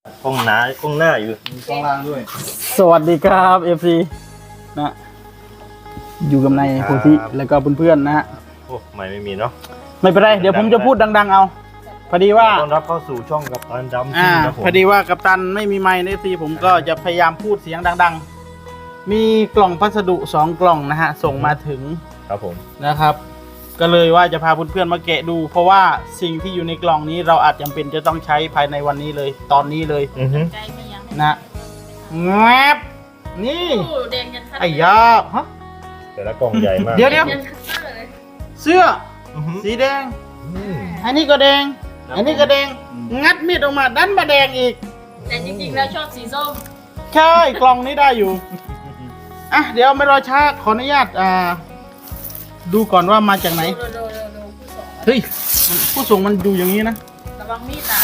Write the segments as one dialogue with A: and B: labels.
A: กล้องหน้าอยู่มีกล้องล่างด้วย
B: สวัสดีครับเอฟซีนะอยู่กับนายโพธิแล้วก็เพื่อนๆนะฮะ
A: โอ้ไม่มีเนาะ
B: ไม่เป็นไรเดี๋ยวผมจะพูดดังๆเอาพอดีว่า
A: ต้อนรับเข้าสู่ช่องกับตันดำ
B: อ่า
A: ครับผม
B: พอดีว่ากัปตันไม่มีไมค์ในเอฟซีผมก็จะพยายามพูดเสียงดังๆ มีกล่องพัสดุ2 กล่องนะฮะส่งมาถึง
A: ครับผม
B: นะครับ ก็เลยว่าจะพาเพื่อนๆมาแกะดู เพราะว่าสิ่งที่อยู่ในกล่องนี้เราอาจจำเป็นจะต้องใช้ภายในวันนี้เลยตอนนี้เลย
A: อือฮึ
C: ใจไม่ยัง
B: นะแงบนี่
C: โอ้แดงยันคัตเตอร์
B: ไอ้ยาฮะ
A: แต่ละกล่องใหญ่มาก
B: เดี๋ยว
C: แดงยันคัตเตอร์เลย
B: เสื้อ
A: อือฮึ
B: สีแดง
A: อืม
B: อันนี้ก็แดง อันนี้ก็แดง งัดมีดออกมาดันมาแดงอีก
C: แต่จริงๆแล้วชอบสีส้ม
B: ใช่กล่องนี้ได้อยู่ อ่ะเดี๋ยวไม่รอช้าขออนุญาตดูก่อนว่ามาจากไหน
C: ดูผู้ส่ง
B: เฮ้ยผู้ส่งมันดูอย่างนี้นะ
C: ระวังมีดนะ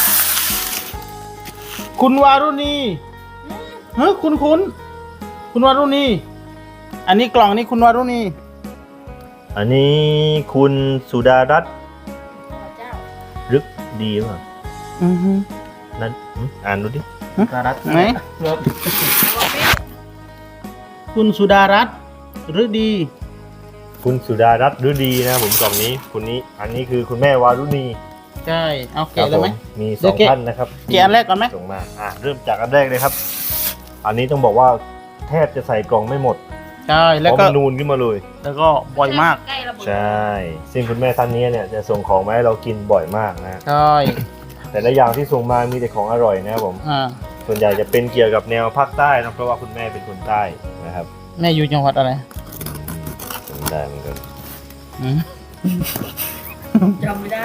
B: คุณวารุณีเฮ้ยคุณวารุณี อันนี้กล่องนี้คุณวารุณี
A: อันนี้คุณสุดารัตน์
C: พระเจ้า
A: รึกดีป่ะ
B: อือฮึ
A: นั่นอ่านดูดิ
B: ไหน
C: ระวังมีด
B: คุณสุดารัตน์หรือดี
A: คุณสุดารัตน์ฤดีนะผมกล่องนี้คุณนี้อันนี้คือคุณแม่วารุณี
B: ใช่ เอาแกะเลยไหม
A: ครับผมี
B: เดี๋ยว
A: 2
B: แกะ
A: ท่านนะครับ
B: แกะอันแรกก่อนไหม
A: ส่งมาเริ่มจากอันแรกเลยครับ อันนี้ต้องบอกว่าแทบจะใส่กล่องไม่หมด
B: ใช่
A: เพ
B: แล้ว
A: ราะ
B: ก็
A: มันนูนขึ้นมาเลย
B: แล้วก็บ่อยมาก
C: ใกล้ระเบิด
A: ใช่ ซึ่งคุณแม่ท่านนี้เนี่ยจะส่งของมาให้เรากินบ่อยมากนะ
B: ใช่
A: แต่ละอย่างที่ส่งมามีแต่ของอร่อยนะครับผม
B: อ่า
A: ส่วนใหญ่จะเป็นเกี่ยวกับแนวภาคใต้นะเพราะว่าคุณแม่เป็นคนใต้นะครับ
B: แม่อยู่จังหวัดอะไร
A: จำได้เหมือนกัน
B: อืม
C: จำไม่ได้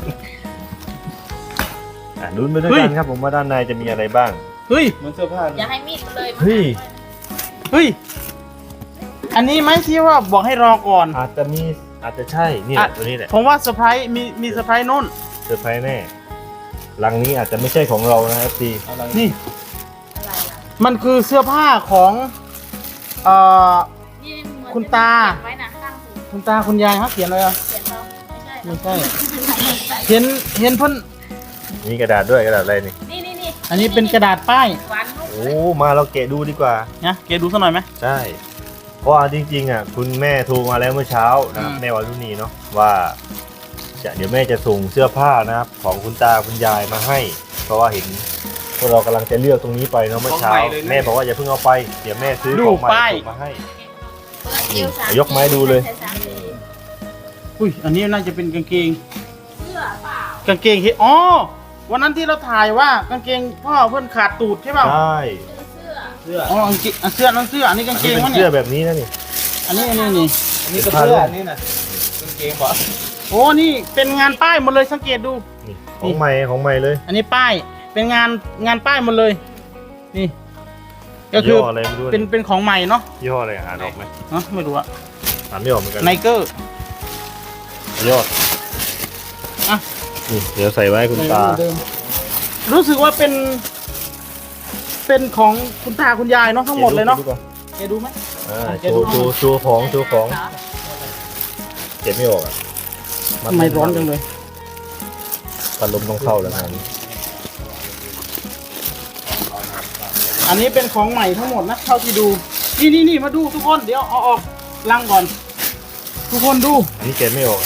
A: ลุ้นไปด้วยกันครับผมว่าด้านในจะมีอะไรบ้าง
B: เฮ้ย
D: เหมือนเสื้อผ้า
C: อย่าให้มีดมันเลย
A: เฮ้ย
B: เฮ้ย อันนี้ไหมที่ว่าบอกให้รอก่อน
A: อาจจะใช่นี่แหละตัวนี้แหละ
B: ผมว่าเซอร์ไพรส์มีเซอร์ไพรส์นู่น
A: เซอร์ไพรส์แน่ลังนี้อาจจะไม่ใช่ของเรานะครับพี่
D: อะไร
B: นี่
C: อะไรล่ะ
B: มันคือเสื้อผ้าของเอ่อ
C: นี่เหมือน
B: คุณตา
C: เขียนไว้นะข้างหู
B: คุณตาคุณยายเขาเขียนเลยอ่ะ
C: เขียนเราไม่
B: ไม่ใช่
C: ใช่
B: เห็นเพ่น
A: มีกระดาษด้วยกระดาษอะไรนี่
C: นี่
B: อันนี้เป็นกระดาษป้าย
C: หวานลูก
A: โอ้มาเราแกะดูดีกว่า
B: นะเกดูสักหน่อยไหม
A: ใช่ เพราะว่าจริงๆคุณแม่โทรมาแล้วเมื่อเช้านะครับ
B: อืม
A: แม่วารุณีเนาะว่าเดี๋ยวแม่จะส่งเสื้อผ้านะครับของคุณตาคุณยายมาให้ เพราะว่าเห็นพวกเรากำลังจะเลือกตรงนี้ไปเนาะเมื่อเช้าแม่บอกว่าอย่าเพิ่งเอาไปเดี๋ยวแม่ซื้อของใหม่ส่งมาให้
C: เปิดเอวสาม
A: ยกไม้ดูเลย
C: ใส่สามสี
B: อุ้ยอันนี้น่าจะเป็นกางเกง
C: เสื้อเปล่าก
B: างเกงที่อ๋อวันนั้นที่เราถ่ายว่ากางเกงพ่อเพื่อนขาดตูดใช่เปล่า
A: ใช่
C: เสื้อ
B: อ๋อกางเกงเสื้อนั่นเสื้ออันนี้กางเกง
A: เป็น
B: วะ
A: เสื้
B: เนี่
A: อย แบบนี้นะนี่
B: อันนี้นี่
D: อันนี้ก็เสื้ออันนี้นะกางเกงบอก
B: โอ้นี่เป็นงานป้ายหมดเลยสังเกตดู
A: นี่ของใหม่เลย
B: อันนี้ป้ายเป็นงานป้ายหมดเลย นี่ ก็คื
A: ยี่
B: อ
A: ห้ออะไรไม่รู้
B: เป็นของใหม่เนาะ
A: ยี่ห้ออะไรอ่านออกไหม
B: เนอะไม่รู้อะ
A: อ่านไม่ออกเหมือนกัน
B: ไนเกอร์
A: ยี่ห้อ
B: อ่ะ
A: นี่เดี๋ยวใส่ไว้ให้คุณตา
B: รู้สึกว่าเป็นของคุณตาคุณยายเนาะทั้งหมดเลยเนาะแกดูไหม
A: โชว์ของเก็บไม่ออกอ่ะ
B: ทำไมร้อนจังเลย
A: พัดลมต้องเข้าแล้วงานนี้
B: อันนี้เป็นของใหม่ทั้งหมดนะเท่าที่ดูนี่มาดูทุกคนเดี๋ยวเอาออกลังก่อน ทุกคนดู
A: อันนี้เก็บไม่ออก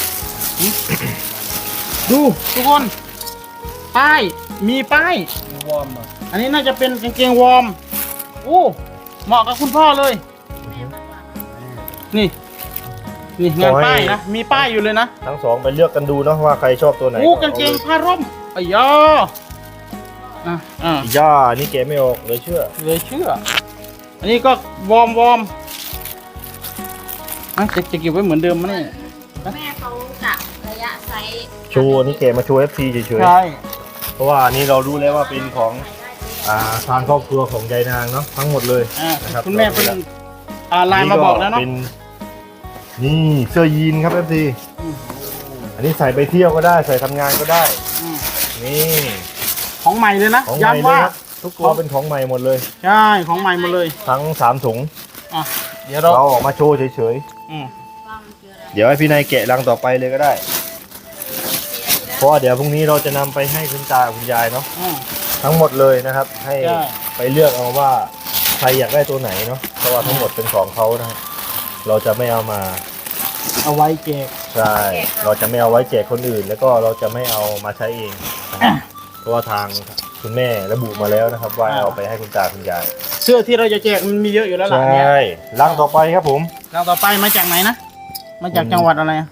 B: ดูทุกคนป้ายมีป้าย
D: วอร์มอ่ะ
B: อันนี้น่าจะเป็นกางเกงวอร์มโอ้เหมาะกับคุณพ่อเลย นี่งานป้ายนะมีป้ายอยู่เลยนะ
A: ทั้งสองไปเลือกกันดูเนาะว่าใครชอบตัวไหน
B: โอ้กางเกงผ้าร่มอ้ยออ่ะ
A: ย่านี่เก็บไม่ออกเลยเชื่อ
B: เลยเชื่อ อันนี้ก็วอร์มอ่ะจะเก็บไว้เหมือนเดิมมั้ยเนี่ย
C: แม่เขากะระยะไซส์
A: โชว์นี่เก็บมาโชว์ FC เฉย
B: ใช่
A: ๆเพราะว่าอันนี้เรารู้แล้วว่าเป็นของทางครอบครัวของยายนางเนาะทั้งหมดเลย นะครับ
B: คุณแม่เป็นไลน์มาบอกแล้วเนาะ
A: ป็นี่เสื้อยีนครับ FC
B: อืม
A: อันนี้ใส่ไปเที่ยวก็ได้ใส่ทำงานก็ได้
B: อืม
A: นี่
B: ของใหม่เลยนะ
A: ของใหม่
B: ย้ำ
A: เลย
B: ว่า
A: ครับทุกตัวเป็นของใหม่หมดเลย
B: ใช่ของใหม่หมดเลย
A: ทั้ง3ถุง
B: อ่ะเดี๋ยวเรา
A: เราออกมาโชว์เฉย
B: อืม
C: ว่ามันคืออะไร
A: ๆเดี๋ยวให้พี่นายแกะรังต่อไปเลยก็ได้ เพราะว่าเดี๋ยวพรุ่งนี้เราจะนำไปให้คุณตาคุณยายเนาะ
B: อืม
A: ททั้งหมดเลยนะครับ ให้
B: ใช่
A: ไปเลือกเอาว่าใครอยากได้ตัวไหนเนาะเพราะว่าทั้งหมดเป็นของเขานะครับเราจะไม่เอามา
B: เอาไว้แจก
A: ใช่เราจะไม่เอาไว้แจกคนอื่น แล้วก็เราจะไม่เอามาใช้เองนะครับเพราะว่าทางคุณแม่ระบุมาแล้วนะครับ ว่าเอาไปให้คุณตาคุณยาย
B: เสื้อที่เราจะแจกมันมีเยอะอยู่แล้วล่ะ
A: ใช
B: เนี่ย่
A: ลังต่อไปครับผม
B: เราต่อไปมาจากไหนนะมาจากจังหวัดอะไรอะ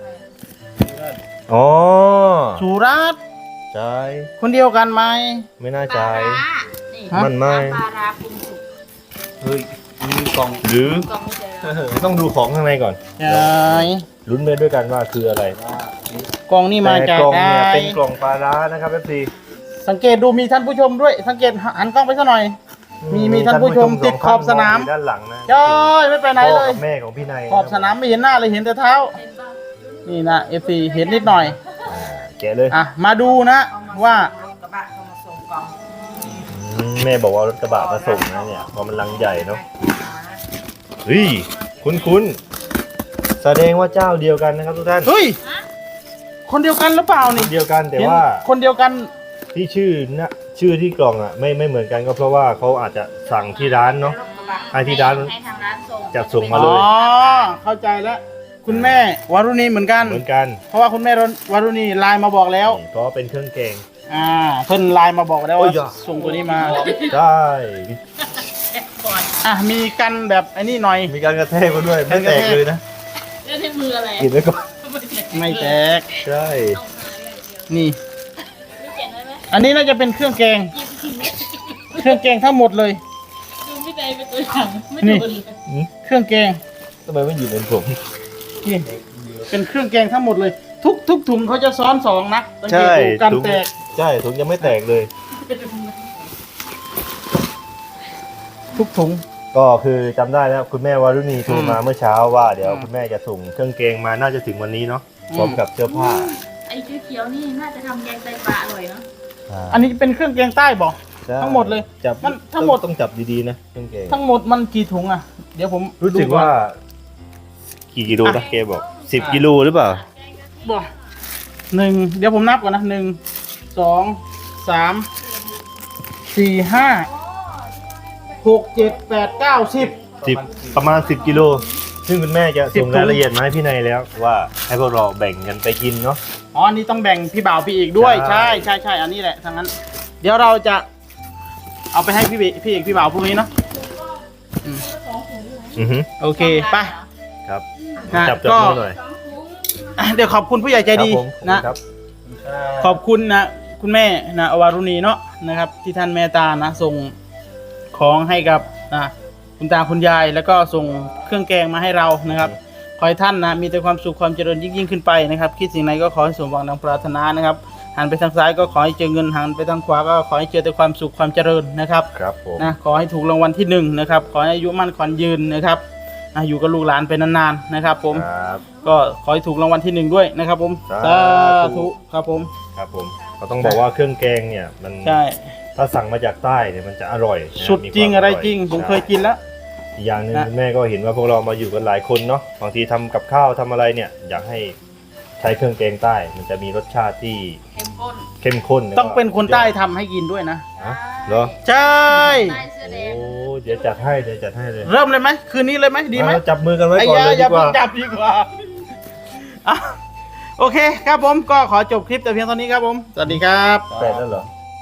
A: อ๋อ
B: สุราษฎร์
A: ใช่
B: คนเดียวกันไหม
A: ไม่น่า
C: ป
A: ใจ
C: ลาร้านี่
A: มันไม่
C: ปลาร้าปรุงสุก
D: เฮ้ยมีกล่อง
A: หรือ
C: กล่องไม่เจอแล้ว
A: ต้องดูของข้างในก่อน
B: ใช่
A: ลุ้นไปด้วยกันว่าคืออะไร
B: กล่องนี่มา
A: แต่
B: จาก
A: กล่อง
B: ไหน
A: เนี่ยเป็นกล่องปลาร้านะครับเอฟซี
B: สังเกตดูมีท่านผู้ชมด้วย สังเกตหันกล้องไปสักหน่อย มีท่านผู้ชมติดขอบสนาม
A: ด้านหลังนะ
B: จ้อยไม่ไปไหนเลย
A: พ่อกับแม่ของพี่นาย
B: ขอบสนามไม่เห็นหน้าเลยเห็นแต่เท้า
C: เห็นป่ะ
B: นี่นะเอฟซีเห็นนิดหน่อย
A: แกะเลย
B: อ่ะมาดูนะว่า
C: กระบะเขามาส่งกล่อง
A: แม่บอกว่ารถกระบะมาส่งนะเนี่ยเพราะมันลังใหญ่เนาะเฮ้ยคุ้นๆแสดงว่าเจ้าเดียวกันนะครับทุกท่าน
B: เฮ้ยคนเดียวกันหรือเปล่านี่
A: เดียวกันแต่ว่า
B: เห็นคนเดียวกัน
A: ที่ชื่อที่กล่องอ่ะไม่เหมือนกันก็เพราะว่าเขาอาจจะสั่งที่ร้านเนาะ ให้ที่ร้าน
C: ให้ทางร้านส่ง
A: จัดส่งมา
B: อ๋
A: เล
B: อย เข้าใจแล้ว คุณแม่วารุณีเหมือนกัน
A: เหมือนกัน
B: เพราะว่าคุณแม่วารุณีไลน์มาบอกแล้ว
A: เพราะว่าเป็นเครื่องแกง
B: เพิ่นไลน์มาบอกแล้ว
A: โอ้
B: ว่าย
A: อย่า
B: ส่งตัวนี้มา
A: ใช่
C: ก่อน
B: มีกันแบบไอ้นี่หน่อย
A: มีการกระแทกมาด้วยไม่แตกเลยนะ
C: เรื่องที่มืออะไร
A: กินไว้ก่อน
B: ไม่แตก
A: ใช่
C: ต้องหาอย่างเดียว
B: นี่
C: ไม่เขียนได้ไหม
B: อันนี้น่าจะเป็นเครื่องแกง เครื่องแกงทั้งหมดเลย
C: ดูไม่ได้เป็นตัวอย่างไม่
B: นี่
C: โดนเลย
B: เครื่องแกง
A: ทำไมไม่หยิบเป็นผม
B: นี่เป็นเครื่องแกงทั้งหมดเลย ทุกถุงเขาจะซ้อนสองนะสังเกต
A: ใช่
B: ดูกัน
A: ถุง
B: แตก
A: ใช่ถุงยังไม่แตกเลย
B: ทุกถุง
A: ก็คือจำได้แล้วคุณแม่วารุณีโทรมาเมื่อเช้าว่าเดี๋ยวคุณแม่จะส่งเครื่องแกงมาน่าจะถึงวันนี้เนาะพร้อมกับเสื้อผ้า
C: ไอ้เขียวๆนี่น่าจะทำแกงไตปลาอร่อยเนาะ
B: อันนี้เป็นเครื่องแกงใต้บอก
A: ใช่
B: ทั้งหมดเลย
A: จับ
B: มันทั้งหมด
A: ต้องจับดีๆนะเครื่องแกง
B: ทั้งหมดมันกี่ถุงอ่ะ เดี๋ยวผม
A: รู้สึก
B: ดูอน
A: ว่า กี่กิโลนะเกบอก10 กิโลหรือเปล่า
B: บอกเดี๋ยวผมนับก่อนนะ1 2 3 4 5 6 7 8 9 10
A: ประมาณ 10 กิโล ซึ่งคุณแม่จะส่ง
B: 10
A: รายละเอียดมาให้พี่นายแล้วว่าให้พวกเราแบ่งกันไปกินเนาะ
B: อ๋ออันนี้ต้องแบ่งพี่บ่าวพี่เอกด้วย
A: ใช่
B: ใช่อันนี้แหละทั้งนั้น เดี๋ยวเราจะเอาไปให้พี่เอกพี่บ่าวพรุ่งนี้เนาะ
A: อือฮึ
B: โอเคไป
A: ครับ
B: นะ
A: จับ
B: ก็
A: มือหน่อย
B: เดี๋ยวขอบคุณผู้ใหญ่ใจดี
A: ครับผม
B: นะ
A: ครับ
B: ขอบคุณนะคุณแม่นะอวารุณีเนาะนะครับ ที่ท่านเมตตานะส่งของให้กับนะคุณตาคุณยาย แล้วก็ส่งเครื่องแกงมาให้เรานะครับขอให้ท่านนะมีแต่ความสุขความเจริญยิ่งขึ้นไปนะครับ คิดสิ่งไหนก็ขอให้สมหวังดังปรารถนานะครับหันไปทางซ้ายก็ขอให้เจอเงินหันไปทางขวาก็ขอให้เจอแต่ความสุขความเจริญนะครับ
A: ครับผม
B: นะขอให้ถูกรางวัลที่1นะครับขอให้อายุมั่นขวัญยืนนะครับอยู่กับลูกหลานไปนานๆนะครับ ผม
A: ครับ
B: ก็ขอให้ถูกรางวัลที่1ด้วยนะครับ ผม
A: สาธุ
B: ครับผม
A: ครับผมก็ต้องบอกว่าเครื่องแกงเนี่ยมัน
B: ใช่
A: ถ้าสั่งมาจากใต้เนี่ยมันจะอร่อยนะ
B: สุด
A: มีความ
B: จริงอะไร
A: ย
B: จริงผม
A: ใช่
B: เคยกินแล้ว
A: อีกอย่างหนึ่ง
B: นะ
A: คุณแม่ก็เห็นว่าพวกเรามาอยู่กันหลายคนเนาะบางทีทำกับข้าวทำอะไรเนี่ย อยากให้ใช้เครื่องแกงใต้ มันจะมีรสชาติที่
C: เข้มข้น
A: เข้มข้นแล้วก็
B: ต้องเป็นคนใต้ทำให้กินด้วยนะ
A: ฮะเหรอ
B: ใช่
C: ใต้เสื้อแด
A: โอ้
C: ง
A: เดี๋ยวจัดให้เดี๋ยวจัดให้เลย
B: เริ่มเลยไหมคืนนี้เลยไหมดีไหม
A: เอาจับมือกันไว้
B: ไอ้
A: ก่อน
B: ยา
A: เลย
B: อ
A: ดี
B: ย่าก เพิ่
A: ว่า
B: งจับดีกว่าอ่ะโอเคครับผมก็ขอจบคลิปแต่เพียงเท่านี้ครับผม สวัสดีครับ
A: แปดแล้วเหรอ